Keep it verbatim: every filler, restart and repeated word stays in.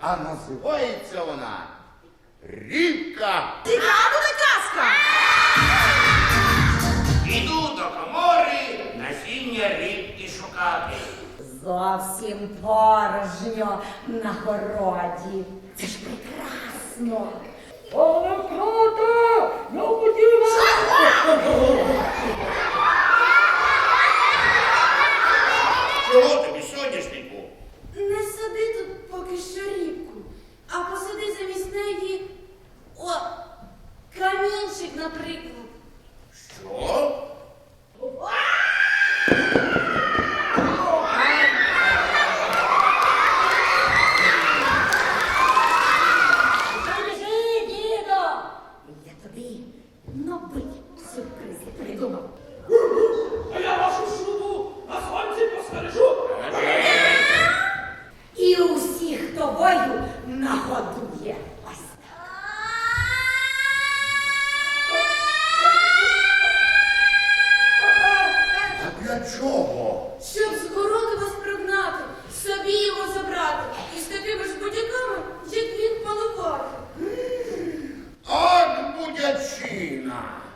а називається вона рібка. Цікава казка! Іду до комори насіння рибки шукати. Зовсім порожньо на городі. Це ж прекрасно. Але круто! Я хотів... Чого тобі, соняшнику? Не сади тут поки що рібку, а посади замість неї, о, камінчик, наприклад. Що? Скажи, дідо! Я тобі новий сюрприз придумав. А я вашу шубу на сонці постережу. І усіх тобою нагодує. Ось так. А для чого? Щоб з городу вас прогнати, собі його забрати, і з такими ж будяками, як він, палувати. От будячина.